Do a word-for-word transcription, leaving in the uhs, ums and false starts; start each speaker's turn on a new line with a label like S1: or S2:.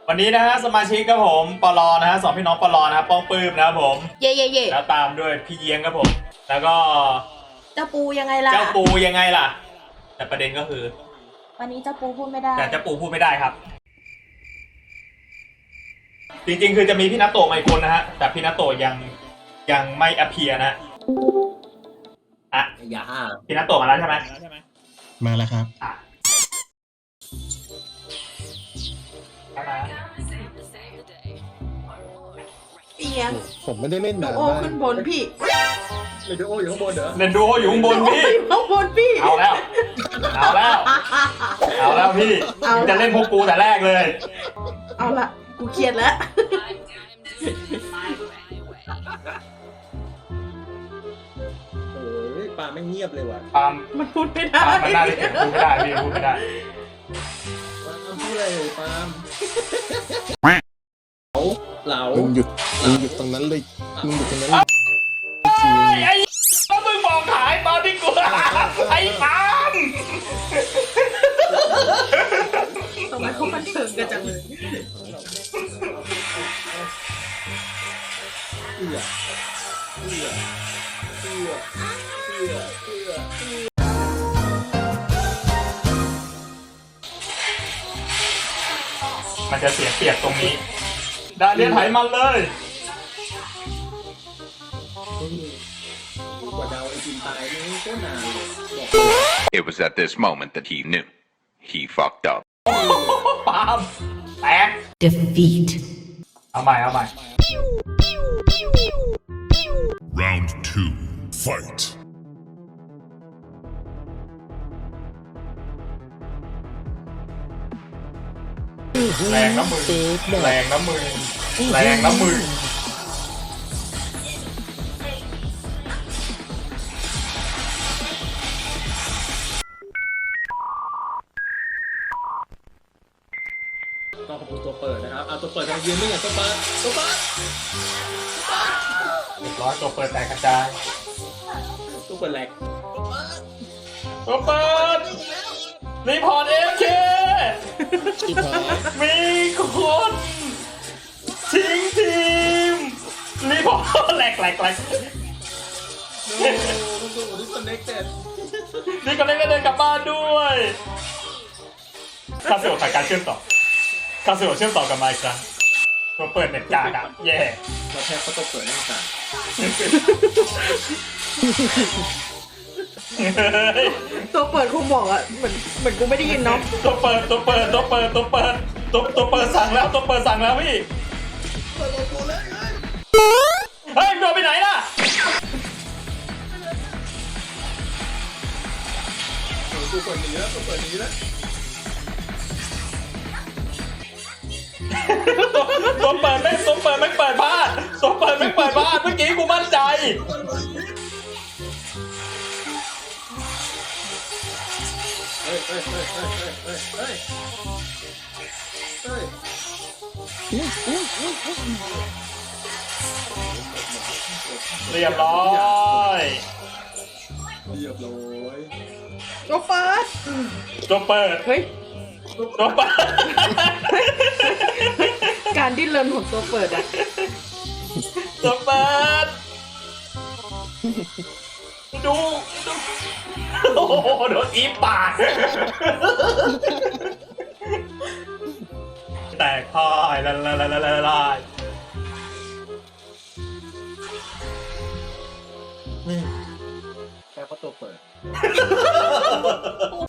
S1: วันนี้นะฮะสมาชิกครับผมปลอนะฮะสองพี่น้องปลอนะครับป้องปื้มนะครับผม
S2: เย่เย่เย่
S1: แล้วตามด้วยพี่เยียงครับผม แล้วก็
S2: เจ้าปูยังไงล่ะ
S1: เจ้าปูยังไงล่ะ แต่ประเด็นก็คือ
S2: วันนี้เจ้าปูพูดไม่ได้
S1: แต่เจ้าปูพูดไม่ได้ครับ จริงๆคือจะมีพี่นัตโตะมาอีกคนนะฮะแต่พี่นัตโตะยังยังไม่อเพียนะอ่ะ
S3: อย่าห้า
S1: พี่นัตโตะมาแล้วใช่ไหม
S4: มาแล้วครับ
S1: อ่ะเข้ามา
S2: เอียง
S4: ผมไม่ได้เล่น
S2: ดู
S4: นาน
S2: โอ
S4: มาก
S2: ขึ้นบนพี่
S3: เรดิโออยู่ข้างบนเหรอ
S1: เล่นดูโออยู่ข้างบนพี่
S2: โอ้ยข้างบนพี่
S1: เอาแล้ว เอาแล้ว เอาแล้วพี่
S2: เอา
S1: จะเล่นพวกกูแต่แรกเลย
S2: เอาละกูเครียดแล้ว
S3: โอ้ยปลาไม่เงียบเลยว่ะ
S1: ปาล์ม
S2: มันพูดไม่ได้
S1: ปาล์มมันน่าจะเก็บพูดไม่ได้พี่พูดไม่ได้
S3: ปลาพูดอะไรเลยปลาเหลา
S4: มึงหยุดมึงหยุดตรงนั้นเลยมึงหยุดตรงนั้นเลยจริง
S1: ไอ้ก็มึงบอกขายตอนที่กูไอ้ปาล์ม
S2: ทำไมเขาบันเทิงกันจังเลย
S3: เอื้อเอื้อเอื้อเอื้อเอื้อ
S1: มันจะเสียเปรียบตรงนี้ดาเลียนไถมันเลย
S3: กว่าดาวไอจินตายนี่ก็นานเลยบอก
S5: It was at this moment that he knew. He fucked up.
S1: ปาล์มแตก
S2: defeat
S1: เอาใหม่เอาใหม่
S6: Round two, fight.
S1: แรงน้ำมือแรงน้ำมือแรงน้ำมือ
S3: ก็ขอบคุณตัวเปิดนะครับเอาตัวเปิดทางยืนนี่ไงตัวเปิดตัวเปิด
S1: เรียบร้อยตัวเปิดแตกกระจาย
S3: ตัวเปิดแหลก
S1: ตัวเปิดรีพอร์ตเอฟเค
S4: ๆอีพอ
S1: มีคนทิ้งทีมรีพอร์ตแหลกแหลกแหลก
S3: โอ้โหต้องดูดิสเน็กเต็ด
S1: นี่ก็เล่นก็เดินกลับบ้านด้วยคาเซโอถ่ายการเชื่อมต่อคาเซโอเชื่อมต่อกับไมค์ครับตัวเปิดเน็ตกากอะแย่
S3: เราแทบก็ตัวเปิดนั่งสั่น
S2: ตัวเปิดคงบอกอะเหมือนเหมือนกูไม่ได้ยินเนาะ
S1: ตัวเปิดตัวเปิดตัวเปิดตัวเปิดตัวตัวเปิดสั่งแล้วตัวเปิดสั่งแล้วพี่
S3: เปิดโลโก้เลย
S1: เฮ้ยโดนไปไหนล่ะ
S3: ตัวเปิดหนีแล้วตัวเปิดหนีแล้ว
S1: ตัวตัวเปิดไม่ตัวเปิดไม่เปิดพลาดตัวเปิดไม่เปิดพลาดเมื่อกี้กูมั่นใจ
S3: เฮ้ยเฮ้ยเฮ้ยเฮ้ยเฮ้ยเฮ้ยเฮ้ย
S1: เรียบร้อย
S3: เรียบร้อย
S2: ตัวเปิด
S1: ตัวเปิด
S2: เฮ้ย
S1: ตัวเปิด
S2: การดิ้นรนของตัวเปิดอะ
S1: ตัวเปิดดูดูโอ้โหโดนอีปาก แตกพ่ายละละละละละละ
S3: แค่เพราะตัวเปิด
S2: โอ้